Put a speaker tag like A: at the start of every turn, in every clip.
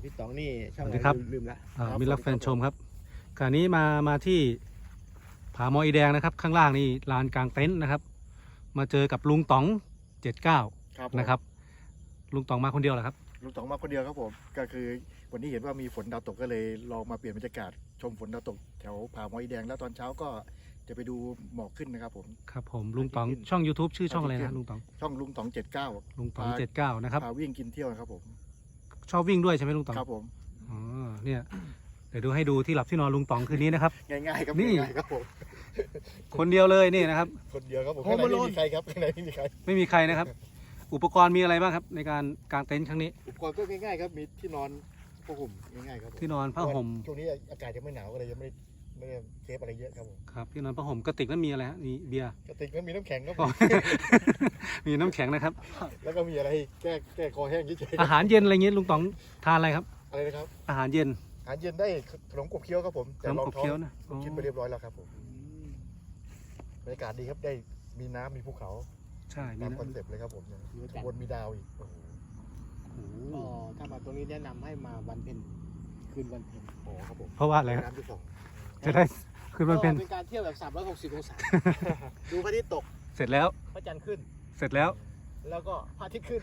A: พี่ต๋องนี่ช่อง
B: สวั
A: อะ
B: สดี
A: ไร
B: ครับ
A: ลืมละ
B: มิตรรักแฟนชมครับขณะนี้มาที่ผาหมออีแดงนะครับข้างล่างนี่ลานกลางเต็นท์นะครับมาเจอกับลุงต๋อง79
C: ครับ
B: นะครับลุงต๋องมาคนเดียวเหรอครับ
C: ลุงต๋องมาคนเดียวครับผมก็คือวันนี้เห็นว่ามีฝนดาวตกก็เลยลองมาเปลี่ยนบรรยากาศชมฝนดาวตกแถวผาหมออีแดงแล้วตอนเช้าก็จะไปดูหมอกขึ้นนะครับผม
B: ครับผมลุงต๋องช่อง YouTube ชื่อช่องอะไรนะลุงต๋อง
C: ช่องลุงต๋อง79
B: ลุงต๋อง79นะครับ
C: พาวิ่งกินเที่ยวนะครับผม
B: ชอบวิ่งด้วยใช่ไหมลุงต๋อง
C: ครับผม
B: อ๋อเนี่ยเดี๋ยวดูให้ดูที่หลับที่นอนลุงต๋องคืนนี้นะครับ
C: ง่ายๆครับ
B: นี่
C: ง่ายๆครับผม
B: คนเดียวเลยนี่นะครับ
C: คนเดียวครับผมข้างในไม่มีใครครับข้างในไม่มีใคร
B: ไม่มีใครนะครับ อุปกรณ์มีอะไรบ้างครับในการกางเต็นท์ครั้งนี้
C: อุปกรณ์ก็ง่ายๆครับมีที่นอนผ้าห่มง่ายๆครับผม
B: ที่นอนผ้าห่ม
C: ช่วงนี้อากาศยังไม่หนาวก็เลยยังไม่ได้เทปอะไรเยอะครับผม
B: ครับที่นอนผ้าห่มกระติกนั้นมีอะไรฮะมีเบียร์
C: กระติกนั้นมีน้ำแข็งครับผ
B: อ๋อ
C: ม
B: มีน้ำแข็งนะครับ
C: แล้วก็มีอะไรแก้คอแห้งเฉย
B: อาหารเย็นอะไรเงี้ยลุงต๋องทานอะไรครับ
C: ๆอะไรนะครับ
B: อาหารเย็น
C: อาหารเย็นได้ขนมกบเคี้ยวครับผม
B: ขนมขบเคี้ยวนะ
C: ลูกชิ้นไปเรียบร้อยแล้วครับผมบรรยากาศดีครับได้มีน้ำมีภูเขา
B: ใช่มี
C: ตาม
B: นะ
C: คอนเซ็ปต์เลยครับผมข้างบนมีดาวอีกโอ้โห
B: โอ้โห
A: ก็ถ้ามาตรงนี้แนะนำให้มาวันเพ็ญคืนวันเพ็ญ
C: โอ้ครับผม
B: เพราะว่าอะไรครับ
C: น้ำที่สอง
B: จะได้คืนวันเพ็ญ
A: ก็เป็นการเที่ยวแบบ360องศาดูพระอาทิตย์ตก
B: เสร็จแล้ว
A: พระจันทร์ขึ้น
B: เสร็จแล้ว
A: แล้วก็พระอาทิตย์ขึ้น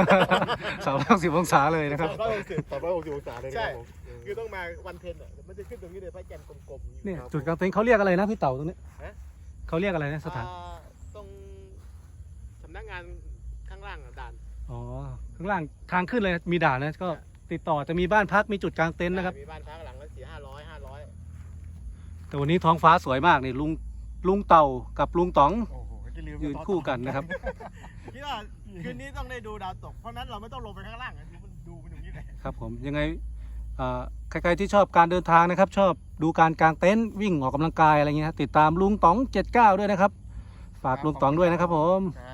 B: 360องศาเลยนะครับ
C: 360องศาเลยนะครับผม
A: คือต้องมาวันเพ็ญอ่ะมันจะขึ้นตรงนี้เลยพระจันทร์กลมๆ
B: เนี่ยจุดกางเต็นท์เขาเรียกอะไรนะพี่เต่าตรงนี้
A: ฮะ
B: เขาเรียกอะไรนะสถาน
A: ตรงสำนักงานข้างล่างอะด่าน
B: อ๋อข้างล่างทางขึ้นเลยมีด่านนะก็ติดต่อจะมีบ้านพักมีจุดกางเต็นท์นะครับ
A: มีบ้านพักหลังละ400-500
B: แต่วันนี้ท้องฟ้าสวยมากนี่ลุงเต่ากับลุงต๋อง
C: โอ้โหจะลืม
B: ยืนคู่กันนะครับ
A: คิดว่าคืนนี้ต้องได้ดูดาวตกเพราะนั้นเราไม่ต้องลงไปข้างล่างอะดูมันอย่างนี้เลย
B: ครับผมยังไงใครๆที่ชอบการเดินทางนะครับ ชอบดูการกางเต็นท์วิ่งออกกำลังกายอะไรเงี้ยติดตามลุงต๋อง79ด้วยนะครับฝากลุงต๋องด้วยนะครับผม
C: ครับ